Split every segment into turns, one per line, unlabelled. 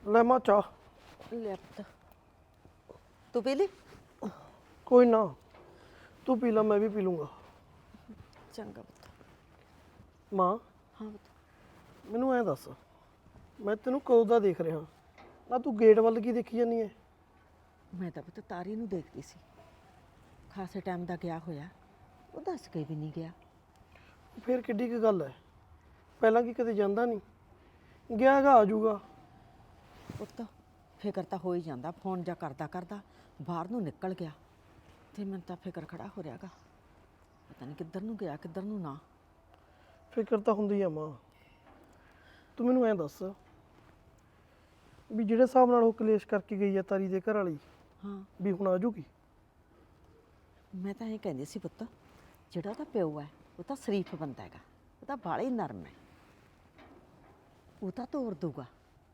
ਲੈ ਮਾਂ ਚਾਹ।
ਲੈ ਪੁੱਤ ਤੂੰ ਪੀ ਲਈ?
ਕੋਈ ਨਾ, ਤੂੰ ਪੀ ਲਾ, ਮੈਂ ਵੀ ਪੀ ਲੂੰਗਾ।
ਚੰਗਾ ਪੁੱਤ।
ਮਾਂ
ਹਾਂ ਪੁੱਤ।
ਮੈਨੂੰ ਐਂ ਦੱਸ, ਮੈਂ ਤੈਨੂੰ ਕਦੋਂ ਦਾ ਦੇਖ ਰਿਹਾ ਨਾ, ਤੂੰ ਗੇਟ ਵੱਲ ਕੀ ਦੇਖੀ ਜਾਨੀ ਐ?
ਮੈਂ ਤਾਂ ਪੁੱਤ ਤਾਰੀ ਨੂੰ ਦੇਖਦੀ ਸੀ, ਖਾਸੇ ਟਾਈਮ ਦਾ ਗਿਆ ਹੋਇਆ, ਉਹ ਦੱਸ ਕੇ ਵੀ ਨਹੀਂ ਗਿਆ।
ਫਿਰ ਕਿੱਡੀ ਕੁ ਗੱਲ ਐ, ਪਹਿਲਾਂ ਕੀ ਕਦੇ ਜਾਂਦਾ ਨਹੀਂ? ਗਿਆ ਹੈਗਾ, ਆ ਜਾਊਗਾ।
ਪੁੱਤ ਫਿਕਰ ਤਾਂ ਹੋ ਹੀ ਜਾਂਦਾ, ਫੋਨ ਜਾਂ ਕਰਦਾ ਕਰਦਾ ਬਾਹਰ ਨੂੰ ਨਿਕਲ ਗਿਆ ਤੇ ਮੈਨੂੰ ਤਾਂ ਫਿਕਰ ਖੜਾ ਹੋ ਰਿਹਾਗਾ, ਪਤਾ ਨਹੀਂ ਕਿੱਧਰ ਨੂੰ ਗਿਆ ਕਿੱਧਰ ਨੂੰ ਨਾ।
ਫਿਕਰ ਤਾਂ ਹੁੰਦੀ ਆ ਮਾਂ। ਤੂੰ ਮੈਨੂੰ ਐਂ ਦੱਸ ਵੀ ਜਿਹੜੇ ਹਿਸਾਬ ਨਾਲ ਉਹ ਕਲੇਸ਼ ਕਰਕੇ ਗਈ ਆ ਤਾਰੀ ਦੇ ਘਰ ਵਾਲੀ,
ਹਾਂ
ਵੀ ਹੁਣ ਆ ਜਾਊਗੀ?
ਮੈਂ ਤਾਂ ਇਹ ਕਹਿੰਦੀ ਸੀ ਪੁੱਤ, ਜਿਹੜਾ ਉਹਦਾ ਪਿਓ ਹੈ ਉਹ ਤਾਂ ਸ਼ਰੀਫ ਬੰਦਾ ਹੈਗਾ, ਉਹ ਤਾਂ ਬਾਹਲਾ ਹੀ ਨਰਮ ਹੈ, ਉਹ ਤਾਂ ਤੋਰ ਦੂਗਾ।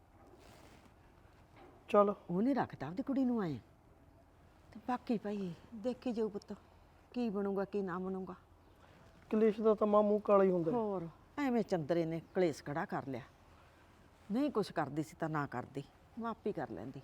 ਚੱਲ
ਉਹ ਨਹੀਂ ਰੱਖਦਾ ਆਪਦੀ ਕੁੜੀ ਨੂੰ ਆਏ, ਤੇ ਬਾਕੀ ਭਾਈ ਦੇਖੀ ਜਾਊ ਪੁੱਤ, ਕੀ ਬਣੂਗਾ ਕੀ ਨਾ ਬਣੂਗਾ।
ਕਲੇਸ਼ ਦਾ ਤਾਂ ਮਾਂ ਮੂੰਹ ਕਾਲਾ ਹੀ ਹੁੰਦਾ।
ਹੋਰ ਐਵੇਂ ਚੰਦਰੇ ਨੇ ਕਲੇਸ਼ ਖੜਾ ਕਰ ਲਿਆ, ਨਹੀਂ ਕੁਛ ਕਰਦੀ ਸੀ ਤਾਂ ਨਾ ਕਰਦੀ, ਮਾਪੀ ਕਰ ਲੈਂਦੀ।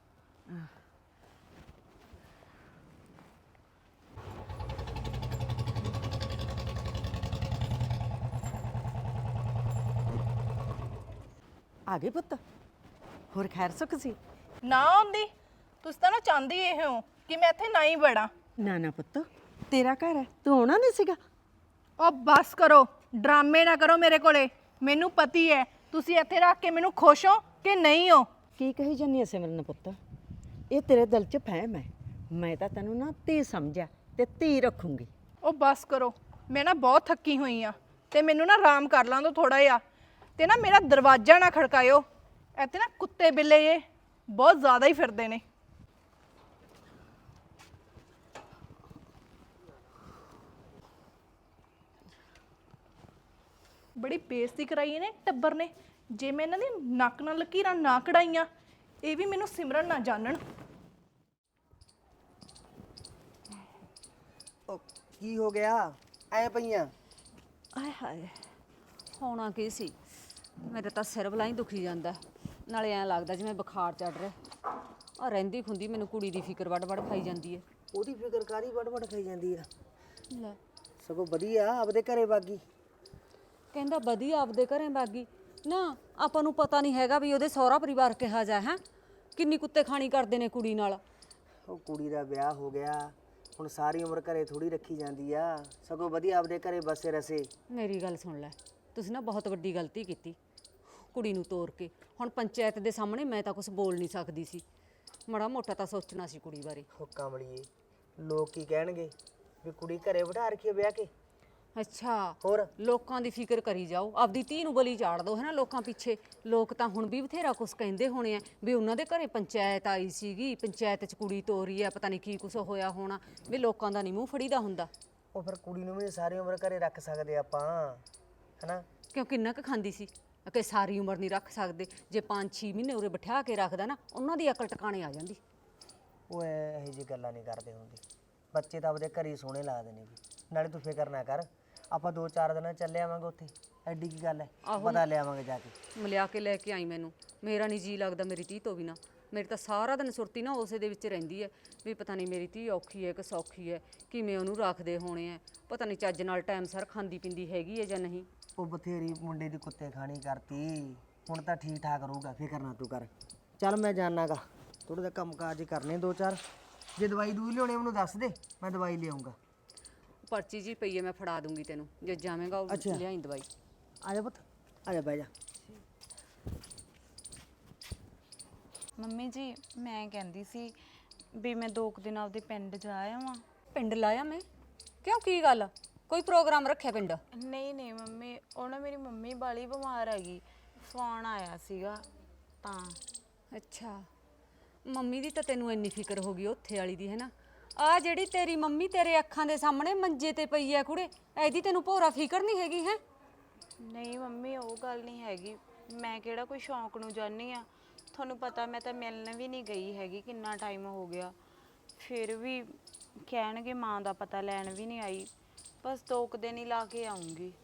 ਆ ਗਏ ਪੁੱਤ, ਹੋਰ ਖੈਰ ਸੁੱਖ ਸੀ?
ਨਾ ਆਉਂਦੀ, ਤੁਸੀਂ ਤਾਂ ਨਾ ਚਾਹੁੰਦੀ ਇਹ ਹੋ ਕਿ ਮੈਂ ਇੱਥੇ ਨਾ ਹੀ ਵੜਾਂ।
ਨਾ ਨਾ ਪੁੱਤ, ਤੇਰਾ ਘਰ ਹੈ, ਤੂੰ ਆਉਣਾ ਨਹੀਂ ਸੀਗਾ?
ਉਹ ਬਸ ਕਰੋ, ਡਰਾਮੇ ਨਾ ਕਰੋ ਮੇਰੇ ਕੋਲੇ, ਮੈਨੂੰ ਪਤੀ ਹੈ ਤੁਸੀਂ ਇੱਥੇ ਰੱਖ ਕੇ ਮੈਨੂੰ ਖੁਸ਼ ਹੋ ਕਿ ਨਹੀਂ ਹੋ।
ਕੀ ਕਹੀ ਜਾਂਦੀ ਐ ਸਿਮਰਨ ਪੁੱਤ, ਇਹ ਤੇਰੇ ਦਿਲ 'ਚ ਫਹਿਮ ਹੈ, ਮੈਂ ਤਾਂ ਤੈਨੂੰ ਨਾ ਧੀ ਸਮਝਿਆ ਤੇ ਧੀ ਰੱਖੂੰਗੀ।
ਉਹ ਬਸ ਕਰੋ, ਮੈਂ ਨਾ ਬਹੁਤ ਥੱਕੀ ਹੋਈ ਆ ਤੇ ਮੈਨੂੰ ਨਾ ਆਰਾਮ ਕਰ ਲਾਂ ਦੋ ਥੋੜਾ ਜਿਹਾ, ਤੇ ਨਾ ਮੇਰਾ ਦਰਵਾਜ਼ਾ ਨਾ ਖੜਕਾਇਓ, ਇੱਥੇ ਨਾ ਕੁੱਤੇ ਬਿੱਲੇ ਇਹ ਬਹੁਤ ਜ਼ਿਆਦਾ ਹੀ ਫਿਰਦੇ ਨੇ। ਬੜੀ ਬੇਇੱਜ਼ਤੀ ਕਰਾਈ ਇਹਨੇ ਟੱਬਰ ਨੇ, ਜੇ ਮੈਂ ਇਹਨਾਂ ਦੀ ਨੱਕ ਨਾਲ ਲਕੀਰਾਂ ਨਾ ਕਢਾਈਆਂ, ਇਹ ਵੀ ਮੈਨੂੰ ਸਿਮਰਨ ਨਾ ਜਾਣਨ।
ਉਹ ਕੀ ਹੋ ਗਿਆ ਐ ਪਈਆਂ?
ਆਏ ਹਾਏ, ਹੋਣਾ ਕੀ ਸੀ, ਮੇਰੇ ਤਾਂ ਸਿਰ ਬਲਾਈ ਦੁਖੀ ਜਾਂਦਾ, ਨਾਲੇ ਐਂ ਲੱਗਦਾ ਜਿਵੇਂ ਬੁਖਾਰ ਚੜ ਰਿਹਾ। ਆ ਰਹਿੰਦੀ ਖੁੰਦੀ ਮੈਨੂੰ ਕੁੜੀ ਦੀ ਫਿਕਰ ਵੱਡ ਵੱਡ ਖਾਈ ਜਾਂਦੀ ਹੈ।
ਉਹਦੀ ਫਿਕਰ ਕਾਰੀ ਵੜ ਖਾਈ ਜਾਂਦੀ ਆ,
ਲੈ
ਸਗੋਂ ਵਧੀਆ ਆਪਦੇ ਘਰੇ ਬਾਗੀ।
ਕਹਿੰਦਾ ਵਧੀਆ ਆਪਦੇ ਘਰੇ ਬਾਗੀ, ਨਾ ਆਪਾਂ ਨੂੰ ਪਤਾ ਨਹੀਂ ਹੈਗਾ ਵੀ ਉਹਦੇ ਸਹੁਰਾ ਪਰਿਵਾਰ ਕਿਹਾ ਜਾ ਹੈ, ਕਿੰਨੀ ਕੁੱਤੇ ਖਾਣੀ ਕਰਦੇ ਨੇ ਕੁੜੀ ਨਾਲ।
ਉਹ ਕੁੜੀ ਦਾ ਵਿਆਹ ਹੋ ਗਿਆ, ਹੁਣ ਸਾਰੀ ਉਮਰ ਘਰੇ ਥੋੜੀ ਰੱਖੀ ਜਾਂਦੀ ਆ, ਸਗੋਂ ਵਧੀਆ ਆਪਦੇ ਘਰੇ ਬਸੇ ਰਸੇ।
ਮੇਰੀ ਗੱਲ ਸੁਣ ਲੈ, ਤੁਸੀਂ ਨਾ ਬਹੁਤ ਵੱਡੀ ਗਲਤੀ ਕੀਤੀ ਕੁੜੀ ਨੂੰ ਤੋਰ ਕੇ। ਹੁਣ ਪੰਚਾਇਤ ਦੇ ਸਾਹਮਣੇ ਮੈਂ ਤਾਂ ਕੁਝ ਬੋਲ ਨਹੀਂ ਸਕਦੀ ਸੀ, ਮਾੜਾ ਮੋਟਾ ਤਾਂ ਸੋਚਣਾ ਸੀ ਕੁੜੀ ਬਾਰੇ।
ਹੋ ਕਮਲੀਏ, ਲੋਕ ਕੀ ਕਹਿਣਗੇ ਵੀ ਕੁੜੀ ਘਰੇ ਬਿਠਾ ਰੱਖੀ ਆ ਵਿਆਹ ਕੇ।
ਅੱਛਾ,
ਹੋਰ
ਲੋਕਾਂ ਦੀ ਫਿਕਰ ਕਰੀ ਜਾਓ, ਆਪਦੀ ਧੀ ਨੂੰ ਬਲੀ ਚਾੜ ਦੋ ਹੈ ਨਾ ਲੋਕਾਂ ਪਿੱਛੇ। ਲੋਕ ਤਾਂ ਹੁਣ ਵੀ ਬਥੇਰਾ ਕੁਛ ਕਹਿੰਦੇ ਹੋਣੇ ਆ ਵੀ ਉਹਨਾਂ ਦੇ ਘਰੇ ਪੰਚਾਇਤ ਆਈ ਸੀਗੀ, ਪੰਚਾਇਤ 'ਚ ਕੁੜੀ ਤੋਰੀ ਆ, ਪਤਾ ਨਹੀਂ ਕੀ ਕੁਛ ਹੋਇਆ ਹੋਣਾ, ਵੀ ਲੋਕਾਂ ਦਾ ਨਹੀਂ ਮੂੰਹ ਫੜੀਦਾ ਹੁੰਦਾ।
ਉਹ ਫਿਰ ਕੁੜੀ ਨੂੰ ਵੀ ਸਾਰੀ ਉਮਰ ਘਰੇ ਰੱਖ ਸਕਦੇ ਆਪਾਂ, ਹਨਾ?
ਕਿਉਂ ਕਿੰਨਾ ਕੁ ਖਾਂਦੀ ਸੀ ਕਿ ਸਾਰੀ ਉਮਰ ਨਹੀਂ ਰੱਖ ਸਕਦੇ, ਜੇ 5-6 ਮਹੀਨੇ ਉਰੇ ਬਿਠਾ ਕੇ ਰੱਖਦਾ ਨਾ, ਉਹਨਾਂ ਦੀ ਅਕਲ ਟਿਕਾਣੇ ਆ ਜਾਂਦੀ।
ਉਹ ਇਹੋ ਜਿਹੀ ਗੱਲਾਂ ਨਹੀਂ ਕਰਦੇ ਹੁੰਦੇ, ਬੱਚੇ ਤਾਂ ਆਪਦੇ ਘਰੇ ਹੀ ਸੋਹਣੇ ਲੱਗਦੇ ਨੇ ਵੀ। ਨਾਲੇ ਤੂੰ ਫਿਕਰ ਨਾ ਕਰ, ਆਪਾਂ 2-4 ਦਿਨਾਂ ਚੱਲੇ ਆਵਾਂਗੇ ਉੱਥੇ, ਐਡੀ ਕੀ ਗੱਲ ਹੈ, ਪਤਾ ਲਿਆਵਾਂਗੇ ਜਾ ਕੇ।
ਮਿਲਿਆ ਕੇ ਲੈ ਕੇ ਆਈ ਮੈਨੂੰ, ਮੇਰਾ ਨਹੀਂ ਜੀ ਲੱਗਦਾ ਮੇਰੀ ਧੀ ਤੋਂ ਬਿਨਾਂ। ਮੇਰੀ ਤਾਂ ਸਾਰਾ ਦਿਨ ਸੁਰਤੀ ਨਾ ਉਸੇ ਦੇ ਵਿੱਚ ਰਹਿੰਦੀ ਹੈ ਵੀ ਪਤਾ ਨਹੀਂ ਮੇਰੀ ਧੀ ਔਖੀ ਹੈ ਕਿ ਸੌਖੀ ਹੈ, ਕਿਵੇਂ ਉਹਨੂੰ ਰੱਖਦੇ ਹੋਣੇ ਆ, ਪਤਾ ਨਹੀਂ ਚੱਜ ਨਾਲ ਟਾਈਮ ਸਰ ਖਾਂਦੀ ਪੀਂਦੀ ਹੈਗੀ ਹੈ ਜਾਂ ਨਹੀਂ।
ਉਹ ਬਥੇਰੀ ਮੁੰਡੇ ਦੀ ਕੁੱਤੇ ਖਾਣੀ ਕਰਤੀ, ਹੁਣ ਤਾਂ ਠੀਕ ਠਾਕ ਰਹੂਗਾ, ਫਿਕਰ ਨਾ ਤੂੰ ਕਰ। ਚੱਲ ਮੈਂ ਜਾਣਾਗਾ, ਥੋੜਾ ਜਿਹਾ ਕੰਮ ਕਾਜ ਕਰਨੇ 2-4, ਜੇ ਦਵਾਈ ਦੂਈ ਲਿਆਉਣੀ ਮੈਨੂੰ ਦੱਸ ਦੇ, ਮੈਂ ਦਵਾਈ ਲਿਆਉਂਗਾ।
ਪਰਚੀ ਜੀ ਪਈ ਹੈ, ਮੈਂ ਫੜਾ ਦੂੰਗੀ ਤੈਨੂੰ, ਜੇ ਜਾਵੇਂਗਾ ਉਹ ਲਿਆਈ ਦਵਾਈ।
ਆ ਜਾ ਪੁੱਤ, ਆ ਜਾ ਬਹਿ ਜਾ।
ਮੰਮੀ ਜੀ ਮੈਂ ਕਹਿੰਦੀ ਸੀ ਵੀ ਮੈਂ 2 ਦਿਨ ਆਪਦੇ ਪਿੰਡ ਜਾ ਆਵਾਂ।
ਪਿੰਡ ਲਾਇਆ ਮੈਂ? ਕਿਉਂ, ਕੀ ਗੱਲ, ਕੋਈ ਪ੍ਰੋਗਰਾਮ ਰੱਖਿਆ ਪਿੰਡ?
ਨਹੀਂ ਮੰਮੀ, ਉਹ ਨਾ ਮੇਰੀ ਮੰਮੀ ਬਾਲੀ ਬਿਮਾਰ ਹੈਗੀ, ਫੋਨ ਆਇਆ ਸੀਗਾ ਤਾਂ।
ਅੱਛਾ, ਮੰਮੀ ਦੀ ਤਾਂ ਤੈਨੂੰ ਇੰਨੀ ਫਿਕਰ ਹੋ ਗਈ ਉੱਥੇ ਵਾਲੀ ਦੀ, ਹੈ ਨਾ? ਆ ਜਿਹੜੀ ਤੇਰੀ ਮੰਮੀ ਤੇਰੇ ਅੱਖਾਂ ਦੇ ਸਾਹਮਣੇ ਮੰਜੇ ਤੇ ਪਈ ਐ ਕੁੜੇ, ਐਦੀ ਤੈਨੂੰ ਭੋਰਾ ਫਿਕਰ ਨਹੀਂ ਹੈਗੀ ਹੈ?
ਨਹੀਂ ਮੰਮੀ, ਉਹ ਗੱਲ ਨਹੀਂ ਹੈਗੀ, ਮੈਂ ਕਿਹੜਾ ਕੋਈ ਸ਼ੌਂਕ ਨੂੰ ਜਾਂਦੀ ਆ, ਤੁਹਾਨੂੰ ਪਤਾ ਮੈਂ ਤਾਂ ਮਿਲਣ ਵੀ ਨਹੀਂ ਗਈ ਹੈਗੀ, ਕਿੰਨਾ ਟਾਈਮ ਹੋ ਗਿਆ। ਫਿਰ ਵੀ ਕਹਿਣਗੇ ਮਾਂ ਦਾ ਪਤਾ ਲੈਣ ਵੀ ਨਹੀਂ ਆਈ, ਬਸ 2 ਦਿਨ ਹੀ ਲਾ ਕੇ ਆਉਂਗੀ।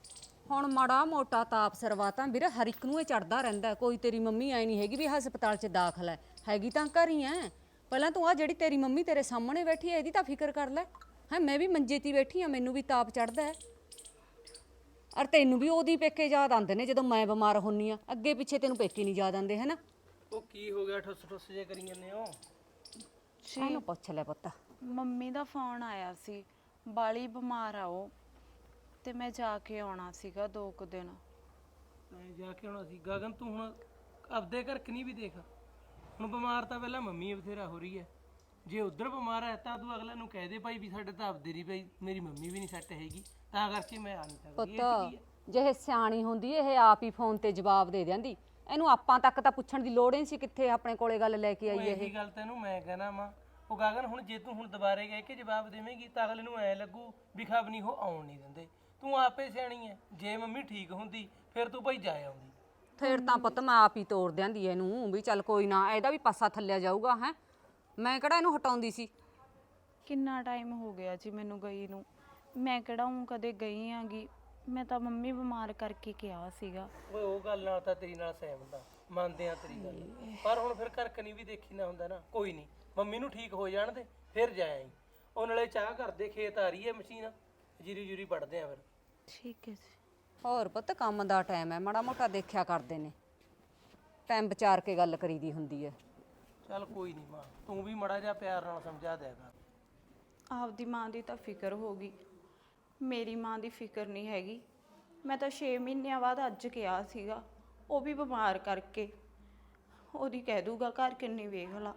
ਹੁਣ ਮਾੜਾ ਮੋਟਾ ਤਾਪ ਸਰਵਾ ਤਾਂ ਵੀਰੇ ਹਰ ਇੱਕ ਨੂੰ ਇਹ ਚੜਦਾ ਰਹਿੰਦਾ। ਕੋਈ ਤੇਰੀ ਮੰਮੀ ਐ ਨਹੀਂ ਹੈਗੀ ਵੀ ਹਸਪਤਾਲ 'ਚ ਦਾਖਲ ਹੈ, ਹੈਗੀ ਤਾਂ ਘਰ ਹੀ ਐ। ਪਹਿਲਾਂ ਤੂੰ ਆ ਜਿਹੜੀ ਤੇਰੀ ਮੰਮੀ ਤੇਰੇ ਸਾਹਮਣੇ ਬੈਠੀ ਐ ਇਹਦੀ ਤਾਂ ਫਿਕਰ ਕਰ ਲੈ। ਹੈ ਮੈਂ ਵੀ ਮੰਜੇ 'ਤੇ ਬੈਠੀ ਆ, ਮੈਨੂੰ ਵੀ ਤਾਪ ਚੜਦਾ ਹੈ। ਔਰ ਤੈਨੂੰ ਵੀ ਉਹਦੀ ਪੇਕੇ ਯਾਦ ਆਉਂਦੇ ਨੇ ਜਦੋਂ ਮੈਂ ਬਿਮਾਰ ਹੁੰਨੀ ਆ, ਅੱਗੇ ਪਿੱਛੇ ਤੈਨੂੰ ਪੇਕੇ ਨਹੀਂ ਯਾਦ ਆਉਂਦੇ, ਹੈ ਨਾ?
ਉਹ ਕੀ ਹੋ ਗਿਆ ਠੁੱਸ ਠੁੱਸ ਜੇ ਕਰੀ ਜਾਂਦੇ ਹੋ?
ਇਹਨੂੰ ਪੁੱਛ ਲੈ ਪੁੱਤ।
ਮੰਮੀ ਦਾ ਫੋਨ ਆਇਆ ਸੀ, ਬਾਲੀ ਬਿਮਾਰ ਆ ਉਹ, ਤੇ ਮੈਂ ਜਾ ਕੇ ਆਉਣਾ ਸੀਗਾ 2 ਕੁ ਦਿਨ।
ਮੈਂ ਜਾ ਕੇ ਆਉਣਾ ਸੀ। ਗਗਨ ਤੂੰ ਹੁਣ ਆਪਦੇ ਘਰ ਕਿ ਨਹੀਂ ਵੀ ਦੇਖ, ਹੁਣ ਬਿਮਾਰ ਤਾਂ ਪਹਿਲਾਂ ਮੰਮੀ ਬਥੇਰਾ ਹੋ ਰਹੀ ਹੈ। ਜੇ ਉਧਰ ਬਿਮਾਰ ਹੈ ਤਾਂ ਤੂੰ ਅਗਲੇ ਨੂੰ ਕਹਿ ਦੇ ਭਾਈ ਵੀ ਸਾਡੇ ਤਾਂ ਆਪਦੇ ਨਹੀਂ ਭਾਈ, ਮੇਰੀ ਮੰਮੀ ਵੀ ਨਹੀਂ ਸੈੱਟ ਹੈਗੀ ਤਾਂ ਕਰਕੇ ਮੈਂ ਆ ਨਹੀਂ ਸਕਦੀ।
ਪੁੱਤ ਜੇ ਇਹ ਸਿਆਣੀ ਹੁੰਦੀ ਇਹ ਆਪ ਹੀ ਫੋਨ ਤੇ ਜਵਾਬ ਦੇ ਦਿੰਦੀ। ਇਹਨੂੰ ਆਪਾਂ ਤੱਕ ਤਾਂ ਪੁੱਛਣ ਦੀ ਲੋੜ ਹੀ ਨਹੀਂ ਸੀ ਕਿੱਥੇ ਆਪਣੇ ਕੋਲੇ ਗੱਲ ਲੈ ਕੇ ਆਈ ਇਹ।
ਇਹੀ ਗੱਲ ਤੈਨੂੰ ਮੈਂ ਕਹਿਣਾ ਵਾ। ਉਹ ਗਗਨ ਹੁਣ ਜੇ ਤੂੰ ਹੁਣ ਦੁਬਾਰੇ ਕਹਿ ਕੇ ਜਵਾਬ ਦੇਵੇਂਗੀ ਤਾਂ ਅਗਲੇ ਨੂੰ ਐ ਲੱਗੂ ਵੀ ਖਬ ਨਹੀਂ ਉਹ ਆਉਣ ਨਹੀਂ ਦਿੰਦੇ। ਤੂੰ ਆਪੇ ਸਿਆਣੀ ਐ, ਜੇ ਮੰਮੀ ਠੀਕ ਹੁੰਦੀ ਫਿਰ ਤੂੰ ਭਾਈ ਜਾ ਆਉਂਦੀ।
ਫਿਰ ਤਾਂ ਪੁੱਤ ਮੈਂ ਆਪ ਹੀ ਤੋੜ ਦਿਆਂਦੀ ਇਹਨੂੰ ਵੀ ਚੱਲ ਕੋਈ ਨਾ, ਇਹਦਾ ਵੀ ਪਾਸਾ ਥੱਲਿਆ ਜਾਊਗਾ। ਹੈ ਮੈਂ ਕਿਹੜਾ ਇਹਨੂੰ ਹਟਾਉਂਦੀ ਸੀ।
ਕਿੰਨਾ ਟਾਈਮ ਹੋ ਗਿਆ ਜੀ ਮੈਨੂੰ ਗਈ ਨੂੰ, ਮੈਂ ਕਿਹੜਾ ਹੂੰ ਕਦੇ ਗਈ ਆਂਗੀ। ਮੈਂ ਤਾਂ ਮੰਮੀ ਬਿਮਾਰ ਕਰਕੇ ਕਿਹਾ ਸੀਗਾ।
ਓਏ ਉਹ ਗੱਲ ਨਾਲ ਤਾਂ ਤੇਰੀ ਨਾਲ ਸਹਿਮਤ ਆ, ਮੰਨਦੇ ਆ ਤੇਰੀ ਗੱਲ, ਪਰ ਹੁਣ ਫਿਰ ਘਰ ਕਨੀ ਵੀ ਦੇਖੀ ਨਾ ਹੁੰਦਾ ਨਾ। ਕੋਈ ਨਹੀਂ, ਮੰਮੀ ਨੂੰ ਠੀਕ ਹੋ ਜਾਣ ਦੇ ਫਿਰ ਜਾ ਆਈ। ਉਹ ਨਾਲੇ ਚਾਹ ਕਰਦੇ, ਖੇਤ ਆ ਰਹੀ ਹੈ ਮਸ਼ੀਨ, ਜੀਰੀ ਜੂਰੀ ਪੜਦੇ ਆ ਫਿਰ।
ਠੀਕ ਹੈ ਜੀ।
ਹੋਰ ਪੁੱਤ ਕੰਮ ਦਾ ਟਾਈਮ ਹੈ, ਮਾੜਾ ਮੋਟਾ ਦੇਖਿਆ ਕਰਦੇ ਨੇ, ਟਾਈਮ ਵਿਚਾਰ ਕੇ ਗੱਲ ਕਰੀਦੀ ਹੁੰਦੀ ਹੈ।
ਚੱਲ ਕੋਈ ਨਹੀਂ ਮਾਂ, ਤੂੰ ਵੀ ਮੜਾ ਜਿਹਾ ਪਿਆਰ ਨਾਲ ਸਮਝਾ ਦਿਆ ਕਰ।
ਆਪਦੀ ਮਾਂ ਦੀ ਤਾਂ ਫਿਕਰ ਹੋ ਗਈ, ਮੇਰੀ ਮਾਂ ਦੀ ਫਿਕਰ ਨਹੀਂ ਹੈਗੀ। ਮੈਂ ਤਾਂ 6 ਮਹੀਨਿਆਂ ਬਾਅਦ ਅੱਜ ਕਿਹਾ ਸੀਗਾ, ਉਹ ਵੀ ਬਿਮਾਰ ਕਰਕੇ। ਉਹਦੀ ਕਹਿ ਦੂਗਾ ਘਰ ਕਿੰਨੀ ਵੇਖ ਲਾ।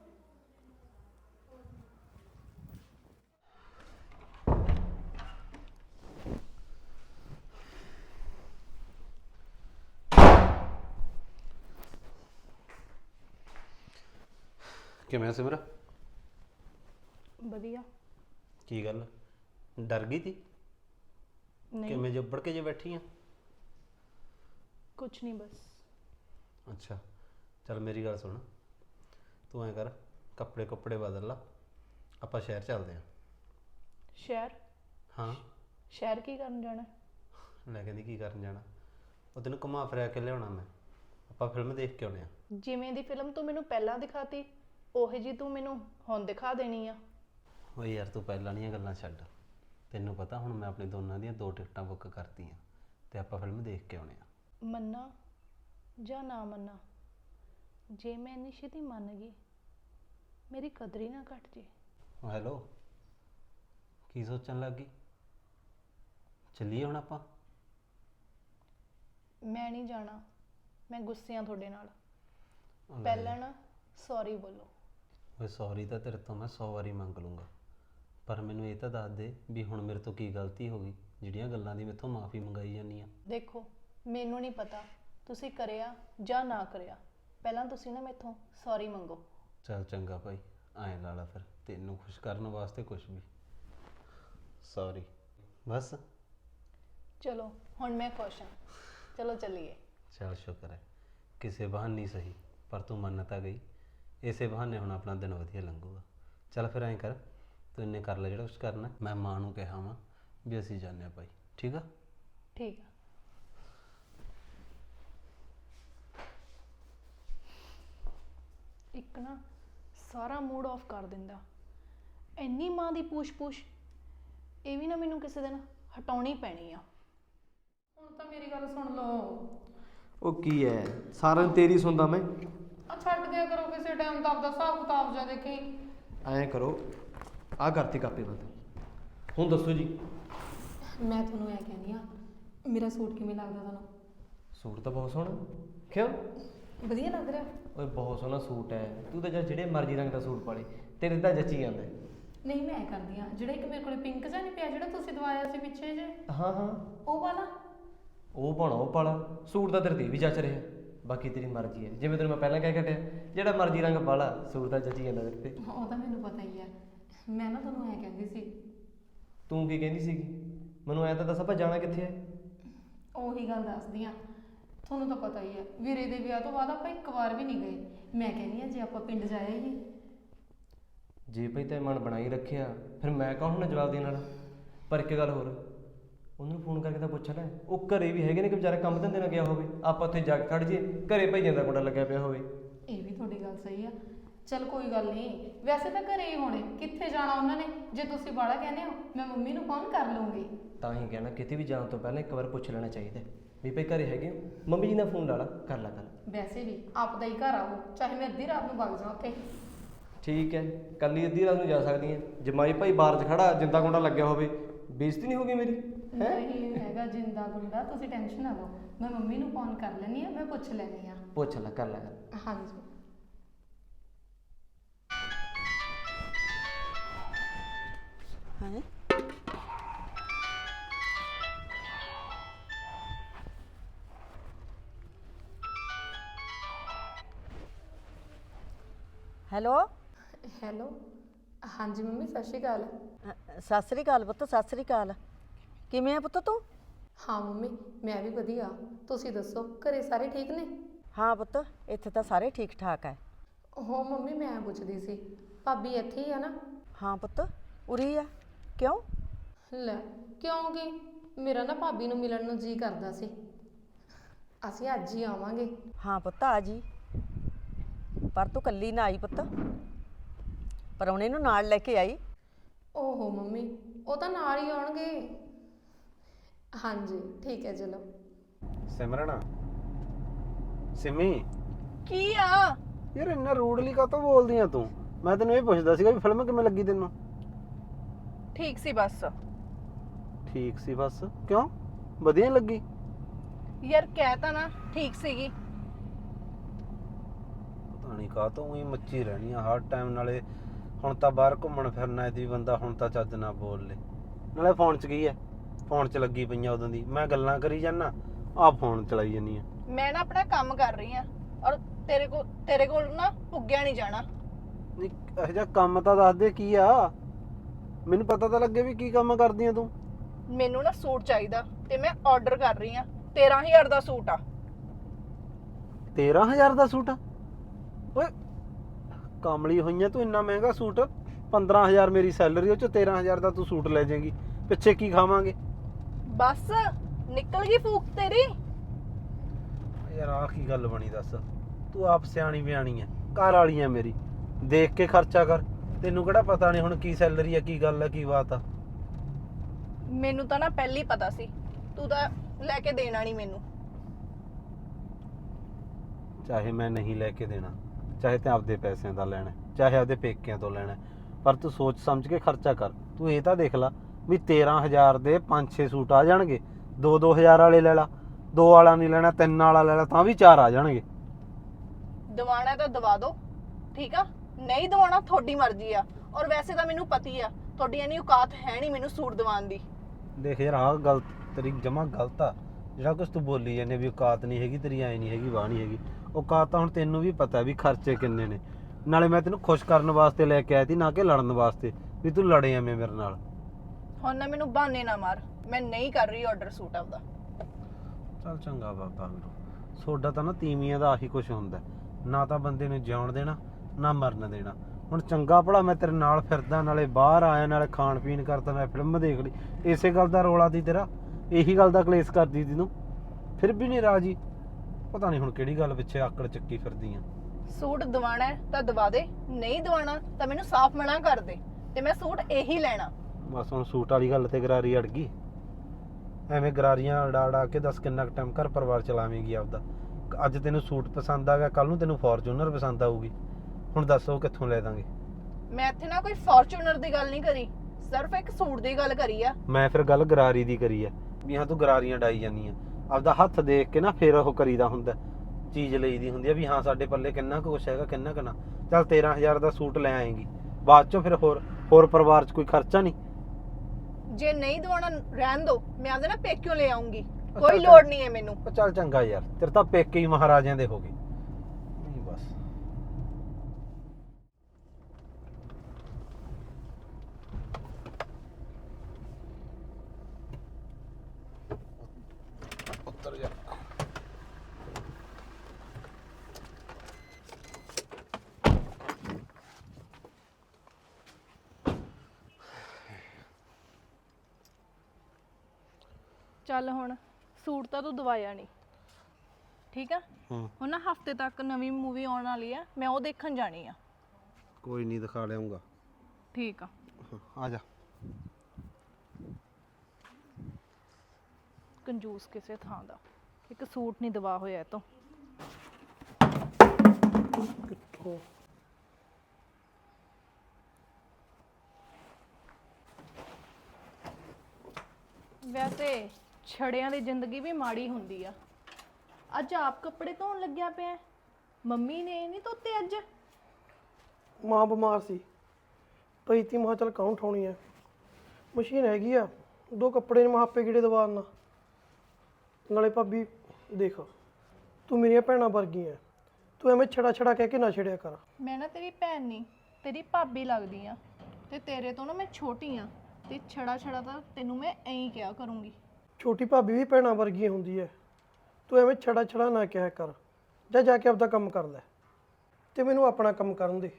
ਕਿਵੇਂ ਸਿਮਰ?
ਵਧੀਆ।
ਕੀ ਗੱਲ ਡਰ ਗਈ ਤੀ? ਕਿਵੇਂ ਜੱਬੜ ਕੇ ਜੇ ਬੈਠੀ ਆ?
ਕੁਛ ਨਹੀਂ ਬਸ।
ਅੱਛਾ ਚੱਲ ਮੇਰੀ ਗੱਲ ਸੁਣ, ਤੂੰ ਐਂ ਕਰ ਕੱਪੜੇ ਬਦਲ ਲਾ, ਆਪਾਂ ਸ਼ਹਿਰ ਚੱਲਦੇ ਆਂ।
ਸ਼ਹਿਰ?
ਹਾਂ।
ਸ਼ਹਿਰ ਕੀ ਕਰਨ ਜਾਣਾ?
ਲੈ ਕਹਿੰਦੀ ਕੀ ਕਰਨ ਜਾਣਾ, ਉਹ ਤੈਨੂੰ ਘੁਮਾ ਫਿਰਿਆ ਕੇ ਲਿਆਉਣਾ ਮੈਂ, ਆਪਾਂ ਫਿਲਮ ਦੇਖ ਕੇ ਆਉਣੇ ਆ।
ਜਿਵੇਂ ਦੀ ਫਿਲਮ ਤੂੰ ਮੈਨੂੰ ਪਹਿਲਾਂ ਦਿਖਾਤੀ ਉਹੇ ਜੀ ਤੂੰ ਮੈਨੂੰ ਹੁਣ ਦਿਖਾ ਦੇਣੀ ਆ।
ਓਏ ਯਾਰ ਤੂੰ ਪਹਿਲਾਂ ਦੀਆਂ ਗੱਲਾਂ ਛੱਡ, ਤੈਨੂੰ ਪਤਾ ਹੁਣ ਮੈਂ ਆਪਣੀ ਦੋਨਾਂ ਦੀਆਂ 2 ਟਿਕਟਾਂ ਬੁੱਕ ਕਰਤੀਆਂ ਤੇ ਆਪਾਂ ਫਿਲਮ ਦੇਖ ਕੇ ਆਉਣੇ ਆ।
ਮੰਨਾ ਜਾਂ ਨਾ ਮੰਨਾ, ਜੇ ਮੈਂ ਇੰਨੀ ਛੇਤੀ ਮੰਨ ਗਈ ਮੇਰੀ ਕਦਰ ਹੀ ਨਾ ਘਟ ਜੇ।
ਹੈਲੋ, ਕੀ ਸੋਚਣ ਲੱਗ ਗਈ? ਚੱਲੀਏ ਹੁਣ ਆਪਾਂ?
ਮੈਂ ਨਹੀਂ ਜਾਣਾ, ਮੈਂ ਗੁੱਸੇ ਆ ਤੁਹਾਡੇ ਨਾਲ। ਪਹਿਲਾਂ ਨਾ ਸੌਰੀ ਬੋਲੋ।
ਓਏ ਸੌਰੀ ਤਾਂ ਤੇਰੇ ਤੋਂ ਮੈਂ 100 ਵਾਰੀ ਮੰਗ ਲੂੰਗਾ, ਪਰ ਮੈਨੂੰ ਇਹ ਤਾਂ ਦੱਸ ਦੇ ਵੀ ਹੁਣ ਮੇਰੇ ਤੋਂ ਕੀ ਗਲਤੀ ਹੋ ਗਈ ਜਿਹੜੀਆਂ ਗੱਲਾਂ ਦੀ ਮੈਥੋਂ ਮਾਫੀ ਮੰਗਾਈ ਜਾਂਦੀ ਆ।
ਦੇਖੋ ਮੈਨੂੰ ਨਹੀਂ ਪਤਾ ਤੁਸੀਂ ਕਰਿਆ ਜਾਂ ਨਾ ਕਰਿਆ, ਪਹਿਲਾਂ ਤੁਸੀਂ ਨਾ ਮੈਥੋਂ ਸੌਰੀ ਮੰਗੋ।
ਚੱਲ ਚੰਗਾ ਭਾਈ, ਐਂ ਲਾ ਲਾ ਫਿਰ, ਤੈਨੂੰ ਖੁਸ਼ ਕਰਨ ਵਾਸਤੇ ਕੁਝ ਵੀ। ਸੌਰੀ ਬਸ।
ਚਲੋ ਹੁਣ ਮੈਂ ਖੁਸ਼ ਹਾਂ, ਚਲੋ ਚੱਲੀਏ।
ਚੱਲ ਸ਼ੁਕਰ ਹੈ ਕਿਸੇ ਬਹਾਨੇ ਸਹੀ, ਪਰ ਤੂੰ ਮੰਨ ਤਾਂ ਗਈ, ਇਸੇ ਬਹਾਨੇ ਹੁਣ ਆਪਣਾ ਦਿਨ ਵਧੀਆ ਲੰਘੂਗਾ। ਚੱਲ ਫਿਰ ਐਂ ਕਰ, ਤੂੰ ਇੰਨੇ ਕਰ ਲੈ ਜਿਹੜਾ ਕੁਛ ਕਰਨਾ। ਮੈਂ ਮਾਂ ਨੂੰ ਕਿਹਾ ਵਾਂ ਵੀ ਅਸੀਂ ਜਾਂਦੇ ਹਾਂ ਭਾਈ, ਠੀਕ ਆ?
ਠੀਕ ਆ। ਇੱਕ ਨਾ ਸਾਰਾ ਮੂਡ ਆਫ ਕਰ ਦਿੰਦਾ, ਇੰਨੀ ਮਾਂ ਦੀ ਪੂਛ-ਪੂਛ, ਇਹ ਵੀ ਨਾ ਮੈਨੂੰ ਕਿਸੇ ਦਿਨ ਹਟਾਉਣੀ ਪੈਣੀ ਆ।
ਹੁਣ ਤਾਂ ਮੇਰੀ ਗੱਲ ਸੁਣ ਲਓ।
ਉਹ ਕੀ ਹੈ, ਸਾਰਿਆਂ ਨੂੰ ਤੇਰੀ ਸੁਣਦਾ ਮੈਂ।
ਆ ਛੱਡ ਦਿਆ ਕਰੋ ਕਿਸੇ ਟਾਈਮ ਤਾਂ ਆਪਦਾ ਹਿਸਾਬ ਕਿਤਾਬ ਜਾ ਦੇਖੀ।
ਐਂ ਕਰੋ, ਆਹ ਕਰਤੀ ਕਾਪੀ ਬੰਦ। ਹੁਣ ਦੱਸੋ ਜੀ।
ਮੈਂ ਤੁਹਾਨੂੰ ਐ ਕਹਿੰਦੀ ਆ, ਮੇਰਾ ਸੂਟ ਕਿਵੇਂ ਲੱਗਦਾ ਤੁਹਾਨੂੰ?
ਸੂਟ ਤਾਂ ਬਹੁਤ ਸੋਹਣਾ। ਕਿਉਂ?
ਵਧੀਆ ਲੱਗ ਰਿਹਾ?
ਓਏ ਬਹੁਤ ਸੋਹਣਾ ਸੂਟ ਹੈ, ਤੂੰ ਤਾਂ ਜਿਹੜੇ ਮਰਜ਼ੀ ਰੰਗ ਦਾ ਸੂਟ ਪਾ ਲਈ, ਤੇਰੇ ਤਾਂ ਜੱਚੀ ਜਾਂਦਾ।
ਨਹੀਂ ਮੈਂ ਐ ਕਰਦੀ ਆ, ਜਿਹੜਾ ਇੱਕ ਮੇਰੇ ਕੋਲੇ ਪਿੰਕ ਜਿਹਾ ਨਹੀਂ ਪਿਆ ਜਿਹੜਾ ਤੁਸੀਂ ਦਵਾਇਆ ਸੀ ਪਿੱਛੇ ਜੇ,
ਹਾਂ ਹਾਂ
ਉਹ ਵਾਲਾ।
ਉਹ ਪਾਉਣਾ, ਉਹ ਪਾਲਾ। ਸੂਟ ਤਾਂ ਤੇਰੇ ਤੇ ਵੀ ਜੱਚ ਰਿਹਾ, ਬਾਕੀ ਤੇਰੀ ਮਰਜ਼ੀ ਹੈ। ਜਿਵੇਂ ਤੈਨੂੰ ਮੈਂ ਪਹਿਲਾਂ ਕਹਿ ਘਟਿਆ, ਜਿਹੜਾ ਮਰਜ਼ੀ ਰੰਗ ਪਾ ਲਾ, ਸੂਟ ਤਾਂ ਜੱਚੀ ਜਾਂਦਾ ਤੇਰੇ ਤੇ।
ਉਹ ਤਾਂ ਮੈਨੂੰ ਪਤਾ ਹੀ ਹੈ। ਮੈਂ ਨਾ ਤੁਹਾਨੂੰ ਐ ਕਹਿੰਦੀ ਸੀ।
ਤੂੰ ਕੀ ਕਹਿੰਦੀ ਸੀਗੀ? ਮੈਨੂੰ ਐਂ ਤਾਂ ਦੱਸ ਆਪਾਂ ਜਾਣਾ ਕਿੱਥੇ ਹੈ?
ਉਹੀ ਗੱਲ ਦੱਸਦੀ ਆ, ਤੁਹਾਨੂੰ ਤਾਂ ਪਤਾ ਹੀ ਹੈ ਵੀਰੇ ਦੇ ਵਿਆਹ ਤੋਂ ਬਾਅਦ ਆਪਾਂ ਇੱਕ ਵਾਰ ਵੀ ਨਹੀਂ ਗਏ। ਮੈਂ ਕਹਿੰਦੀ ਆ ਜੇ ਆਪਾਂ ਪਿੰਡ ਜਾ ਆਈਏ।
ਜੇ ਭਾਈ ਤੈਂ ਮਨ ਬਣਾਈ ਰੱਖਿਆ, ਫਿਰ ਮੈਂ ਕੌਣ ਹੁਣ ਜਵਾਬ ਦੇਣ ਵਾਲਾ। ਪਰ ਇੱਕ ਗੱਲ ਹੋਰ, ਉਹਨੂੰ ਫੋਨ ਕਰਕੇ ਤਾਂ ਪੁੱਛ ਲੈ, ਉਹ ਘਰੇ ਵੀ ਹੈਗੇ ਨੇ ਕਿ ਵਿਚਾਰਾ ਕੰਮ ਧੰਦੇ ਨਾਲ ਗਿਆ ਹੋਵੇ, ਆਪਾਂ ਉੱਥੇ ਜਾ ਕੇ ਖੜ ਜੇ, ਘਰੇ ਭਾਈਆਂ ਦਾ ਕੁੰਡਾ ਲੱਗਿਆ ਪਿਆ ਹੋਵੇ।
ਇਹ ਵੀ ਤੁਹਾਡੀ ਗੱਲ ਸਹੀ ਆ। ਚਲ ਕੋਈ ਗੱਲ ਨਹੀਂ, ਵੈਸੇ ਤਾਂ ਘਰੇ ਹੀ ਹੋਣੇ, ਕਿੱਥੇ ਜਾਣਾ ਉਹਨਾਂ ਨੇ। ਜੇ ਤੁਸੀਂ ਬਾਹਲਾ ਕਹਿੰਦੇ ਹੋ ਮੈਂ ਮੰਮੀ ਨੂੰ ਫੋਨ ਕਰ ਲੂੰਗੀ।
ਤਾਂ ਹੀ ਕਹਿਣਾ ਕਿਤੇ ਵੀ ਜਾਣ ਤੋਂ ਪਹਿਲਾਂ ਇੱਕ ਵਾਰ ਪੁੱਛ ਲੈਣਾ ਚਾਹੀਦਾ ਵੀ ਭਾਈ ਘਰੇ ਹੈਗੇ ਹੋ, ਮੰਮੀ ਜੀ ਨਾਲ ਫੋਨ ਲਾ ਲਾ, ਕਰ ਲਾ ਗੱਲ।
ਵੈਸੇ ਵੀ ਆਪਦਾ ਹੀ ਘਰ ਆਓ, ਚਾਹੇ ਮੈਂ ਅੱਧੀ ਰਾਤ ਨੂੰ ਵਗ ਜਾਵਾਂ ਉੱਥੇ।
ਠੀਕ ਹੈ, ਕੱਲੀ ਅੱਧੀ ਰਾਤ ਨੂੰ ਜਾ ਸਕਦੀ ਹੈ। ਜਮਾਈ ਭਾਈ ਬਾਹਰ 'ਚ ਖੜਾ ਜਿੰਦਾ ਕੁੰਡਾ ਲੱਗਿਆ ਹੋਵੇ, ਬੇਇੱਜ਼ਤੀ ਨਹੀਂ ਹੋਗੀ ਮੇਰੀ?
ਨਹੀਂ ਹੈਗਾ ਜਿੰਦਾ ਗੁੰਡਾ, ਤੁਸੀਂ ਟੈਨਸ਼ਨ ਨਾ ਲਓ। ਮੈਂ ਮੰਮੀ ਨੂੰ ਫੋਨ ਕਰ ਲੈਣੀ ਆ, ਮੈਂ ਪੁੱਛ ਲੈਣੀ ਆ।
ਪੁੱਛ ਲੈ, ਕਰ ਲੈ ਗੱਲ।
ਹਾਂਜੀ।
ਹੈ ਹੈਲੋ।
ਹੈਲੋ, ਹਾਂਜੀ ਮੰਮੀ ਸਤਿ ਸ਼੍ਰੀ ਅਕਾਲ।
ਸਤਿ ਸ੍ਰੀ ਅਕਾਲ ਪੁੱਤ, ਸਤਿ ਸ੍ਰੀ ਅਕਾਲ। ਕਿਵੇਂ ਆ ਪੁੱਤ ਤੂੰ?
ਹਾਂ ਮੰਮੀ ਮੈਂ ਵੀ ਵਧੀਆ, ਤੁਸੀਂ ਦੱਸੋ ਘਰੇ ਸਾਰੇ ਠੀਕ ਨੇ?
ਹਾਂ ਪੁੱਤ, ਇੱਥੇ ਤਾਂ ਸਾਰੇ ਠੀਕ ਠਾਕ ਹੈ।
ਹੋ ਮੰਮੀ ਮੈਂ ਪੁੱਛਦੀ ਸੀ, ਭਾਬੀ ਇੱਥੇ ਹੀ ਆ ਨਾ?
ਹਾਂ ਪੁੱਤ, ਉਰੀ ਆ। ਕਿਉਂ?
ਲੈ ਕਿਉਂਕਿ ਮੇਰਾ ਨਾ ਭਾਬੀ ਨੂੰ ਮਿਲਣ ਨੂੰ ਜੀ ਕਰਦਾ ਸੀ, ਅਸੀਂ ਅੱਜ ਹੀ ਆਵਾਂਗੇ।
ਹਾਂ ਪੁੱਤ ਆ ਜੀ, ਪਰ ਤੂੰ ਕੱਲੀ ਨਾ ਆਈ ਪੁੱਤ, ਪਰਾਹੁਣੇ ਨੂੰ ਨਾਲ ਲੈ ਕੇ ਆਈ।
ਓਹੋ ਮੰਮੀ ਉਹ ਤਾਂ ਨਾਲ ਹੀ ਆਉਣਗੇ। ਹਾਂਜੀ ਠੀਕ ਹੈ ਚਲੋ।
ਸਿਮਰਨ, ਸਿਮੀ,
ਕੀ ਆ?
ਯਾਰ ਇੰਨਾ ਰੂਡਲੀ ਕਾਹਤੋਂ ਬੋਲਦੀ ਆ ਤੂੰ? ਮੈਂ ਤੈਨੂੰ ਇਹ ਪੁੱਛਦਾ ਸੀਗਾ ਵੀ ਫਿਲਮ ਕਿਵੇਂ ਲੱਗੀ ਤੈਨੂੰ?
ਠੀਕ ਸੀ ਬਸ।
ਠੀਕ ਸੀ ਬਸ? ਕਿਉਂ, ਵਧੀਆ ਨੀ ਲੱਗੀ?
ਯਾਰ ਕਹਿ ਤਾ ਨਾ ਠੀਕ ਸੀਗੀ।
ਪਤਾ ਨਹੀਂ ਕਾਹਤੋਂ ਹੀ ਮੱਚੀ ਰਹਿਣੀ ਆ ਹਰ ਟਾਈਮ। ਨਾਲੇ ਹੁਣ ਤਾਂ ਬਾਹਰ ਘੁੰਮਣ ਫਿਰਨਾ ਇਹਦੀ ਬੰਦਾ, ਹੁਣ ਤਾਂ ਚੱਜ ਨਾ ਬੋਲ ਲੈ। ਨਾਲੇ ਫੋਨ 'ਚ ਕੀ ਹੈ, ਫੋਨ 'ਚ ਲੱਗੀ ਪਈਆਂ ਉਦੋਂ ਦੀ, ਮੈਂ ਗੱਲਾਂ ਕਰੀ ਜਾਨਾ, ਆਹ ਫੋਨ ਚਲਾਈ ਜਾਨੀ ਆ।
ਮੈਂ ਨਾ ਆਪਣਾ ਕੰਮ ਕਰ ਰਹੀ ਆ, ਔਰ ਤੇਰੇ ਕੋਲ ਨਾ ਪੁੱਗਿਆ ਨਹੀਂ ਜਾਣਾ।
ਨਹੀਂ ਇਹੋ ਜਿਹਾ ਕੰਮ ਤਾਂ ਦੱਸ ਦੇ ਕੀ ਆ, ਮੈਨੂੰ ਪਤਾ ਤਾਂ ਲੱਗੇ ਵੀ ਕੀ ਕੰਮ ਕਰਦੀ ਆ ਤੂੰ।
ਮੈਨੂੰ ਨਾ ਸੂਟ ਚਾਹੀਦਾ ਤੇ ਮੈਂ ਆਰਡਰ ਕਰ ਰਹੀ ਆ। 13000 ਦਾ ਸੂਟ ਆ।
13000 ਦਾ ਸੂਟ? ਓਏ ਕਮਲੀ ਹੋਈਆਂ ਤੂੰ, ਇੰਨਾ ਮਹਿੰਗਾ ਸੂਟ। 15000 ਮੇਰੀ ਸੈਲਰੀ, ਉਹ 'ਚ 13000 ਦਾ ਤੂੰ ਸੂਟ ਲੈ ਜਾਏਂਗੀ, ਪਿੱਛੇ ਕੀ ਖਾਵਾਂਗੇ?
ਬਸ ਨਿਕਲ ਗਈ ਫੂਕ ਤੇਰੀ।
ਯਾਰ ਆਹ ਕੀ ਗੱਲ ਬਣੀ ਦੱਸ? ਤੂੰ ਆਪ ਸਿਆਣੀ ਬਿਆਣੀ ਐ, ਘਰ ਵਾਲੀ ਐ ਮੇਰੀ, ਦੇਖ ਕੇ ਖਰਚਾ ਕਰ। ਤੈਨੂੰ ਕਿਹੜਾ ਪਤਾ ਨਹੀਂ ਹੁਣ ਕੀ ਸੈਲਰੀ ਆ, ਕੀ ਗੱਲ ਆ, ਕੀ ਬਾਤ ਆ?
ਮੈਨੂੰ ਤਾਂ ਨਾ ਪਹਿਲਾਂ ਹੀ ਪਤਾ ਸੀ, ਤੂੰ ਤਾਂ ਲੈ ਕੇ ਦੇਣਾ ਨਹੀਂ ਮੈਨੂੰ।
ਚਾਹੇ ਮੈਂ ਨਹੀਂ ਲੈ ਕੇ ਦੇਣਾ, ਚਾਹੇ ਤੇ ਆਪਦੇ ਪੈਸਿਆਂ ਦਾ ਲੈਣਾ, ਚਾਹੇ ਆਪਦੇ ਪੇਕਿਆਂ ਤੋਂ ਲੈਣਾ, ਪਰ ਤੂੰ ਸੋਚ ਸਮਝ ਕੇ ਖਰਚਾ ਕਰ। ਤੂੰ ਇਹ ਤਾਂ ਦੇਖ ਲੈ ਵੀ 13000 ਦੇ 5-6 ਸੂਟ ਆ ਜਾਣਗੇ। 2-2000 ਵਾਲੇ ਲੈ ਲਾ, 2 ਵਾਲਾ ਨਹੀਂ ਲੈਣਾ 3 ਵਾਲਾ ਲੈ ਲਾ, ਤਾਂ ਵੀ 4 ਆ ਜਾਣਗੇ।
ਦਵਾਣਾ ਤਾਂ ਦਵਾ ਦੋ, ਠੀਕ ਆ। ਨਹੀਂ ਦਵਾਣਾ ਤੁਹਾਡੀ ਮਰਜ਼ੀ ਆ, ਔਰ ਵੈਸੇ ਤਾਂ ਮੈਨੂੰ ਪਤੀ ਆ ਤੁਹਾਡੀ ਇੰਨੀ ਔਕਾਤ ਹੈ ਨਹੀਂ ਮੈਨੂੰ ਸੂਟ ਦਿਵਾਉਣ ਦੀ।
ਦੇਖ ਯਾਰ ਆਹ ਗਲਤ, ਤੇਰੀ ਜਮਾ ਗਲਤ ਆ ਜਿਹੜਾ ਕੁਝ ਤੂੰ ਬੋਲੀ ਜਾਂਦੇ ਵੀ ਔਕਾਤ ਨਹੀਂ ਹੈਗੀ ਤੇਰੀ, ਐ ਨਹੀਂ ਹੈਗੀ, ਵਾਹ ਨਹੀਂ ਹੈਗੀ। ਔਕਾਤ ਤਾਂ ਹੁਣ ਤੈਨੂੰ ਵੀ ਪਤਾ ਵੀ ਖਰਚੇ ਕਿੰਨੇ ਨੇ। ਨਾਲੇ ਮੈਂ ਤੈਨੂੰ ਖੁਸ਼ ਕਰਨ ਵਾਸਤੇ ਲੈ ਕੇ ਆਇਆ ਸੀ, ਨਾ ਕਿ ਲੜਨ ਵਾਸਤੇ ਵੀ ਤੂੰ ਲੜੇ ਐਵੇਂ ਮੇਰੇ ਨਾਲ।
ਹੁਣ ਨਾ ਮੈਨੂੰ ਬਹਾਨੇ ਨਾ ਮਾਰ, ਮੈਂ ਨਹੀਂ ਕਰ ਰਹੀ ਆਰਡਰ ਸੂਟ ਆਪਦਾ।
ਚੱਲ ਚੰਗਾ ਬਾਬਾ ਵੀਰੋ, ਸੋਡਾ ਤਾਂ ਨਾ ਤੀਵੀਆਂ ਦਾ ਆਹੀ ਕੁਝ ਹੁੰਦਾ, ਨਾ ਤਾਂ ਬੰਦੇ ਨੂੰ ਜਿਉਣ ਦੇਣਾ ਨਾ ਮਰਨ ਦੇਣਾ। ਹੁਣ ਚੰਗਾ ਭਲਾ ਮੈਂ ਤੇਰੇ ਨਾਲ ਫਿਰਦਾ, ਨਾਲੇ ਬਾਹਰ ਆਇਆ, ਨਾਲੇ ਖਾਣ ਪੀਣ ਕਰਦਾ, ਨਾਲੇ ਫਿਲਮ ਦੇਖ ਲਈ, ਇਸੇ ਗੱਲ ਦਾ ਰੌਲਾ ਦੀ ਤੇਰਾ, ਇਹੀ ਗੱਲ ਦਾ ਕਲੇਸ਼ ਕਰਦੀ ਤੀ ਤੂੰ, ਫਿਰ ਵੀ ਨਹੀਂ ਰਾਜੀ। ਪਤਾ ਨਹੀਂ ਹੁਣ ਕਿਹੜੀ ਗੱਲ ਪਿੱਛੇ ਆਕੜ ਚੱਕੀ ਫਿਰਦੀ ਆ।
ਸੂਟ ਦਵਾਣਾ ਤਾਂ ਦਵਾ ਦੇ, ਨਹੀਂ ਦਵਾਣਾ ਤਾਂ ਮੈਨੂੰ ਸਾਫ਼ ਮਨਾ ਕਰ ਦੇ, ਤੇ ਮੈਂ ਸੂਟ ਇਹੀ ਲੈਣਾ।
ਬਸ ਹੁਣ ਸੂਟ ਵਾਲੀ ਗੱਲ ਤੇ ਗਰਾਰੀ ਅੜ ਗਈ। ਐਵੇਂ ਗਰਾਰੀਆਂ ਅੜਾ ਕੇ ਦੱਸ ਕਿੰਨਾ ਕੁ ਟਾਈਮ ਘਰ ਪਰਿਵਾਰ ਚਲਾਵੇਂਗੀ ਆਪਦਾ? ਅੱਜ ਤੈਨੂੰ ਸੂਟ ਪਸੰਦ ਆ ਗਿਆ, ਕੱਲ ਨੂੰ ਤੈਨੂੰ ਫੋਰਚੂਨਰ ਪਸੰਦ ਆਊਗੀ, ਹੁਣ ਦੱਸ ਉਹ ਕਿੱਥੋਂ ਲੈ ਦਾਂਗੇ?
ਮੈਂ ਇੱਥੇ ਨਾ ਕੋਈ ਫੋਰਚੂਨਰ ਦੀ ਗੱਲ ਨਹੀਂ ਕਰੀ, ਸਿਰਫ ਇੱਕ ਸੂਟ ਦੀ ਗੱਲ ਕਰੀ ਆ।
ਮੈਂ ਫਿਰ ਗੱਲ ਗਰਾਰੀ ਦੀ ਕਰੀ ਆ ਵੀ ਹਾਂ ਤੂੰ ਗਰਾਰੀਆਂ ਡਾਈ ਜਾਂਦੀ ਆ। ਆਪਦਾ ਹੱਥ ਦੇਖ ਕੇ ਨਾ ਫਿਰ ਉਹ ਕਰੀਦਾ ਹੁੰਦਾ, ਚੀਜ਼ ਲਈਦੀ ਹੁੰਦੀ ਆ ਵੀ ਹਾਂ ਸਾਡੇ ਪੱਲੇ ਕਿੰਨਾ ਕੁਛ ਹੈਗਾ, ਕਿੰਨਾ ਕੁ ਨਾ। ਚੱਲ 13000 ਦਾ ਸੂਟ ਲੈ ਆਏਂਗੀ, ਬਾਅਦ ਚੋਂ ਫਿਰ ਹੋਰ ਪਰਿਵਾਰ 'ਚ ਕੋਈ ਖਰਚਾ ਨਹੀਂ।
ਜੇ ਨਹੀਂ ਦਵਾਣਾ ਰਹਿਣ ਦੋ, ਮੈਂ ਆਪਦੇ ਨਾ ਪੇਕਿਓਂ ਲੈ ਆਉਂਗੀ, ਕੋਈ ਲੋੜ ਨਹੀਂ ਹੈ ਮੈਨੂੰ।
ਚੱਲ ਚੰਗਾ ਯਾਰ, ਤੇਰੇ ਤਾਂ ਪੇਕੇ ਹੀ ਮਹਾਰਾਜਿਆਂ ਦੇ ਹੋ ਗਏ। ਨਹੀਂ ਬਸ ਉੱਤਰ ਜਾ।
ਚੱਲ ਹੁਣ ਸੂਟ ਤਾਂ ਤੂੰ ਦਵਾਇਆ ਨਹੀਂ, ਠੀਕ ਆ? ਹੁਣ ਨਾ ਹਫਤੇ ਤੱਕ ਨਵੀਂ ਮੂਵੀ ਆਉਣ ਵਾਲੀ ਆ, ਮੈਂ ਉਹ ਦੇਖਣ ਜਾਣੀ ਆ।
ਕੋਈ ਨਹੀਂ, ਦਿਖਾ ਲਿਆਉਂਗਾ।
ਠੀਕ ਆ।
ਆ ਜਾ।
ਕੰਜੂਸ ਕਿਸੇ ਥਾਂ ਦਾ, ਇੱਕ ਸੂਟ ਨਹੀਂ ਦਵਾ ਹੋਇਆ ਇਹ ਤੋਂ।
ਕਿੱਥੋਂ?
ਵੈਸੇ ਛੜਿਆਂ ਦੀ ਜ਼ਿੰਦਗੀ ਵੀ ਮਾੜੀ ਹੁੰਦੀ ਆ। ਅੱਜ ਆਪ ਕੱਪੜੇ ਧੋਣ ਲੱਗਿਆ ਪਿਆ, ਮੰਮੀ ਨੇ ਨਹੀਂ ਧੋਤੇ ਅੱਜ?
ਮਾਂ ਬਿਮਾਰ ਸੀ, ਪਈ ਤੀ, ਮਾ ਚੱਲ ਕਾਹਨੂੰ ਉਠਾਉਣੀ ਐ, ਮਸ਼ੀਨ ਹੈਗੀ ਆ, 2 ਕੱਪੜੇ ਨੇ ਮੈਂ ਆਪੇ ਕਿਹੜੇ ਦਵਾ ਨਾ। ਨਾਲੇ ਭਾਬੀ ਦੇਖ, ਤੂੰ ਮੇਰੀਆਂ ਭੈਣਾਂ ਵਰਗੀ ਐ, ਤੂੰ ਐਵੇਂ ਛੜਾ ਛੜਾ ਕਹਿ ਕੇ ਨਾ ਛੜਿਆ ਕਰ।
ਮੈਂ ਨਾ ਤੇਰੀ ਭੈਣ ਨਹੀਂ, ਤੇਰੀ ਭਾਬੀ ਲੱਗਦੀ ਆ, ਤੇ ਤੇਰੇ ਤੋਂ ਨਾ ਮੈਂ ਛੋਟੀ ਆ, ਤੇ ਛੜਾ ਛੜਾ ਤਾਂ ਤੈਨੂੰ ਮੈਂ ਐਂ ਹੀ ਕਿਹਾ ਕਰੂੰਗੀ।
ਛੋਟੀ ਭਾਬੀ ਵੀ ਭੈਣਾਂ ਵਰਗੀ ਹੁੰਦੀ ਐ, ਤੂੰ ਐਵੇਂ ਛੜਾ ਛੜਾ ਨਾ ਕਿਹਾ ਕਰ। ਜਾ ਕੇ ਆਪਦਾ ਕੰਮ ਕਰ ਲੈ ਤੇ ਮੈਨੂੰ ਆਪਣਾ ਕੰਮ ਕਰਨ ਦੇ।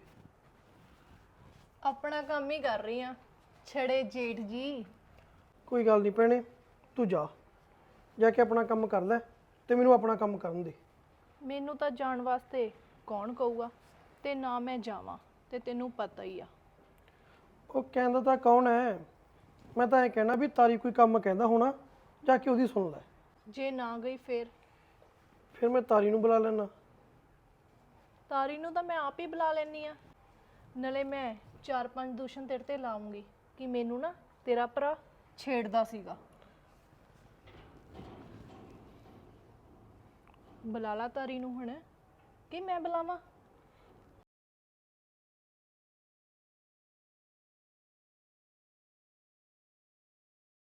ਆਪਣਾ ਕੰਮ ਹੀ ਕਰ ਰਹੀ ਆ ਛੜੇ ਜੇਠ ਜੀ।
ਕੋਈ ਗੱਲ ਨਹੀਂ ਭੈਣੇ, ਤੂੰ ਜਾ ਕੇ ਆਪਣਾ ਕੰਮ ਕਰ ਲੈ ਤੇ ਮੈਨੂੰ ਆਪਣਾ ਕੰਮ ਕਰਨ ਦੇ।
ਮੈਨੂੰ ਤਾਂ ਜਾਣ ਵਾਸਤੇ ਕੌਣ ਕਹੂਗਾ, ਤੇ ਨਾ ਮੈਂ ਜਾਵਾਂ, ਤੇ ਤੈਨੂੰ ਪਤਾ ਹੀ ਆ।
ਉਹ ਕਹਿੰਦਾ ਤਾਂ ਕੌਣ ਹੈ, ਮੈਂ ਤਾਂ ਇਹ ਕਹਿਣਾ ਵੀ ਤਾਰੀ ਕੋਈ ਕੰਮ ਕਹਿੰਦਾ ਹੋਣਾ, ਜਾ ਕੇ ਉਹਦੀ ਸੁਣ ਲੈ।
ਜੇ ਨਾ ਗਈ
ਫਿਰ ਮੈਂ ਤਾਰੀ ਨੂੰ ਬੁਲਾ ਲੈਣਾ।
ਤਾਰੀ ਨੂੰ ਤਾਂ ਮੈਂ ਆਪ ਹੀ ਬੁਲਾ ਲੈਣੀ ਆ, ਨਾਲੇ ਮੈਂ 4-5 ਦੂਸ਼ਣ ਤੇਰੇ ਤੇ ਲਾਉਂਗੀ ਕਿ ਮੈਨੂੰ ਨਾ ਤੇਰਾ ਭਰਾ ਛੇੜਦਾ ਸੀਗਾ। ਬੁਲਾ ਲਾ ਤਾਰੀ ਨੂੰ ਹੁਣ, ਕਿ ਮੈਂ ਬੁਲਾਵਾਂ?